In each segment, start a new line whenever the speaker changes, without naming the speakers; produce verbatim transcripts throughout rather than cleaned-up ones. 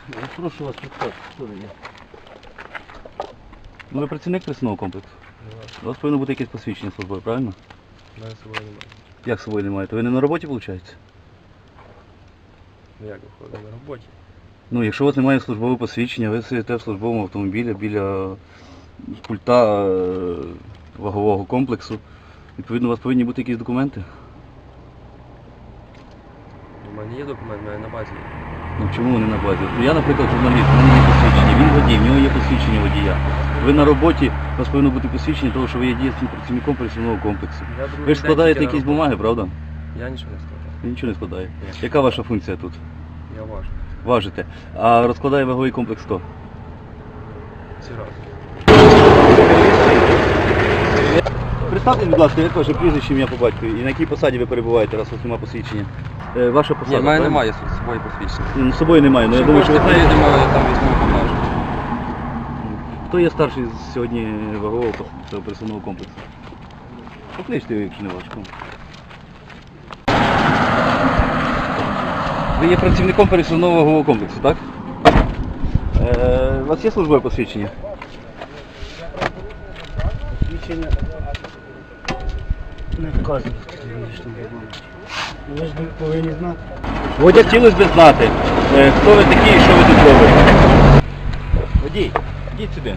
Я прошу вас підказати, що ви є.
Ну ви працівник пресного комплексу? У вас повинно бути якесь посвідчення службове, правильно?
У мене з собою немає.
Як з собою немає? То ви не на роботі, виходить?
Ну як виходить, на роботі?
Ну, якщо у вас немає службового посвідчення, ви сидите в службовому автомобілі біля пульта е, вагового комплексу, відповідно, у вас повинні бути якісь документи?
У мене є документ, у мене на базі є.
Ну чому вони на базі? Я, наприклад, журналіст, у мене є посвідчення, він водій, в нього є посвідчення водія. Ви на роботі, у вас повинно бути посвідчення, того, що ви є дієцьким працівником працівного комплексу.
Я другий
Ви ж
день
складаєте
тільки на
якісь
роботі.
бумаги, правда?
Я нічого не складаю.
Ви нічого не складаєте.
Ні.
Яка ваша функція тут?
Я важу.
Важите. А розкладає ваговий комплекс хто?
Ці рази.
Представте, будь ласка, як ваше прізвище, ім'я по батькові і на якій посаді ви перебуваєте, раз у вас немає посвідчення? Е, ваша посада,
Ні, в мене
правильно?
немає з собою посвідчення.
Ну, з собою немає, але я думаю, що ви знаєте.
приїдемо, я там візьму покажу.
Хто є старший сьогодні вагового цього пересувного комплексу? Покличте його, якщо не важко. Ви є працівником пересувного вагового комплексу, так? Е, у вас є службове посвідчення?
Посвідчення не вказано в технічному регламенті. Ви ж повинні знати.
Водя, хотілося б знати, е, хто ви такі і що ви тут робите. Водій, йдіть сюди.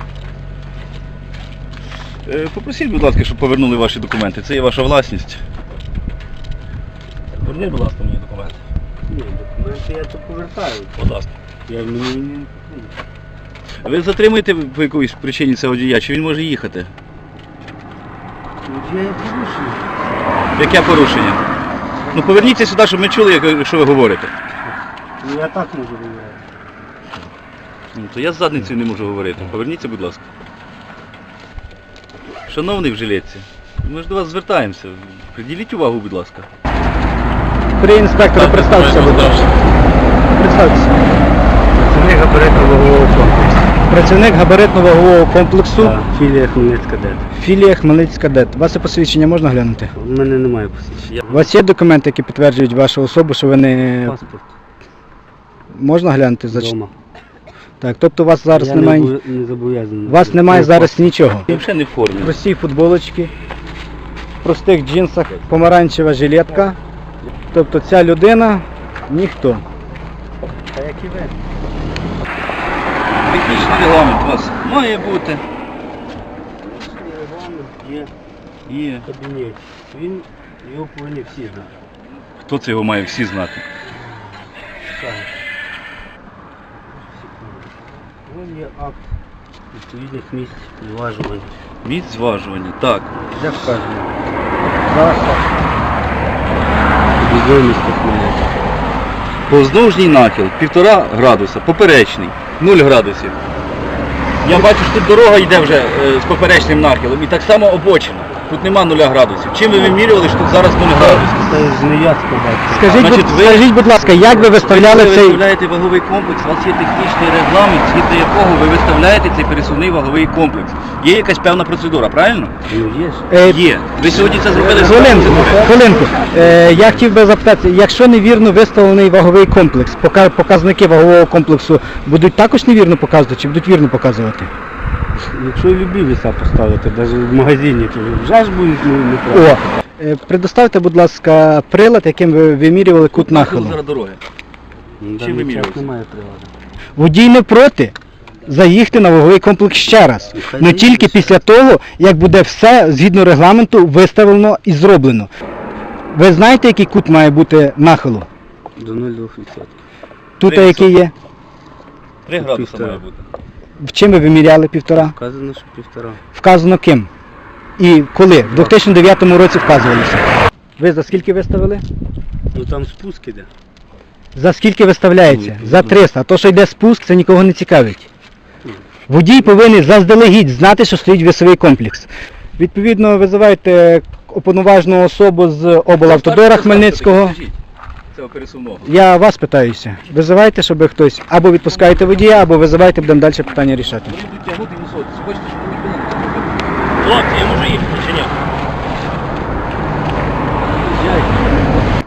Е, Попросіть, будь ласка, щоб повернули ваші документи. Це є ваша власність. Верніть, будь ласка, мені документи.
Ні, документи я то повертаю.
Будь ласка.
Я мені не потрібно.
Ви затримуєте по якоїсь причині цього водія, чи він може їхати?
Я є порушую.
Яке порушення? Ну поверніться сюди, щоб ми чули, як- що ви говорите.
Ну я так можу говорити.
Ну, то я з задницею не можу говорити. Поверніться, будь ласка. Шановний в жилетці, ми ж до вас звертаємося. Приділіть увагу, будь ласка.
При інспектору представтеся, будь ласка. Представтеся.
Працівник габаритно-вагового комплексу.
Працівник габаритно-вагового комплексу.
Так, філія Хмельницька ДЕТ.
Філія Хмельницька ДЕТ. Ваше посвідчення можна глянути?
У мене немає посвідчення.
У вас є документи, які підтверджують вашу особу, що ви не...
Паспорт
Можна глянути? Зач-
вдома.
Так, тобто у вас зараз
Я
немає...
не, обов'я- не зобов'язаний.
У вас немає
Ну,
зараз нічого.
Ви взагалі не в формі.
Прості футболочки, в простих джинсах, помаранчева жилетка. Тобто ця людина ніхто.
Та як і ви.
Технічний регламент у вас має бути.
Є
Є.
кабінет. Він, його повинні всі знати.
Хто це його має всі знати?
Так. Вон є акт відповідних місць зважування.
Місць зважування. Так.
Де вказано? Траса. Відомість Хмельницька.
Повздовжній нахил півтора градуса, поперечний, нуль градусів. Я бачу, що тут дорога йде вже е, з поперечним нахилом і так само обочина. Тут нема нуля градусів. Чим ви вимірювали, що тут зараз нуль градусів?
Це зміяцька бачить.
Скажіть,
Значить,
будь,
ви-
скажіть, будь ласка, як ви виставляли
Ви
цей...
виставляєте ваговий комплекс, у вас є технічний регламент, згідно якого ви виставляєте цей пересувний ваговий комплекс. Є якась певна процедура, правильно?
Ну є ж.
Е,
Є. Ви сьогодні це зробили з
Хвилинку,
процедури.
хвилинку. Е, я хотів би запитати, якщо невірно виставлений ваговий комплекс, пока- показники вагового комплексу будуть також невірно показувати чи будуть вірно показувати?
Якщо і любі віса поставити, навіть в магазині, то вже ж будуть ну, неправильно.
О, е, предоставте, будь ласка, прилад, яким ви вимірювали кут нахилу.
Зараз дороги.
На
Чим
даний
вимірювався?
час немає приладу.
Водій не проти заїхати на ваговий комплекс ще раз.
Хай
але
заїде
тільки
ще
після того, як буде все згідно регламенту виставлено і зроблено. Ви знаєте, який кут має бути нахилу?
До нуль цілих двох відсотків.
Тут
Три
який є?
Три градуса
Півтора.
має бути.
В чим ви виміряли півтора?
Вказано, що півтора.
Вказано ким? І коли? В дві тисячі дев'ятому році вказувалися. Ви за скільки виставили?
Ну там спуск іде.
За скільки виставляється? За триста. А то, що йде спуск, це нікого не цікавить. Водій повинен заздалегідь знати, що стоїть весовий комплекс. Відповідно, визиваєте уповноважену особу з облавтодора Хмельницького.
Цього пересувного.
Я вас питаюся. Визивайте, щоб хтось або відпускаєте водія, або визивайте, будемо далі питання рішати.
Вони будуть тягнути висоти. Хочете, щоб вони пилили? Хлопці, я можу їхати чи ні?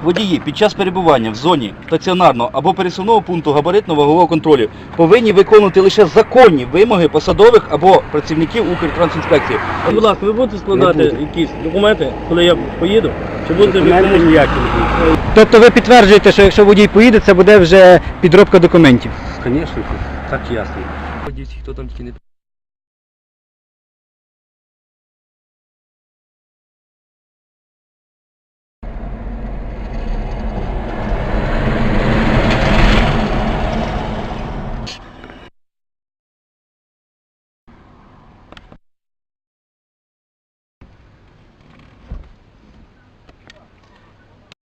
водії під час перебування в зоні стаціонарного або пересувного пункту габаритно-вагового контролю повинні виконувати лише законні вимоги посадових або працівників Укртрансінспекції.
Будь ласка, ви будете складати
Не буду.
якісь документи, коли я поїду? Чи будете
Документи
ви
ніякі не будуть.
Тобто ви підтверджуєте, що якщо водій поїде, це буде вже підробка документів?
Звісно, так ясно.
Хто там тільки не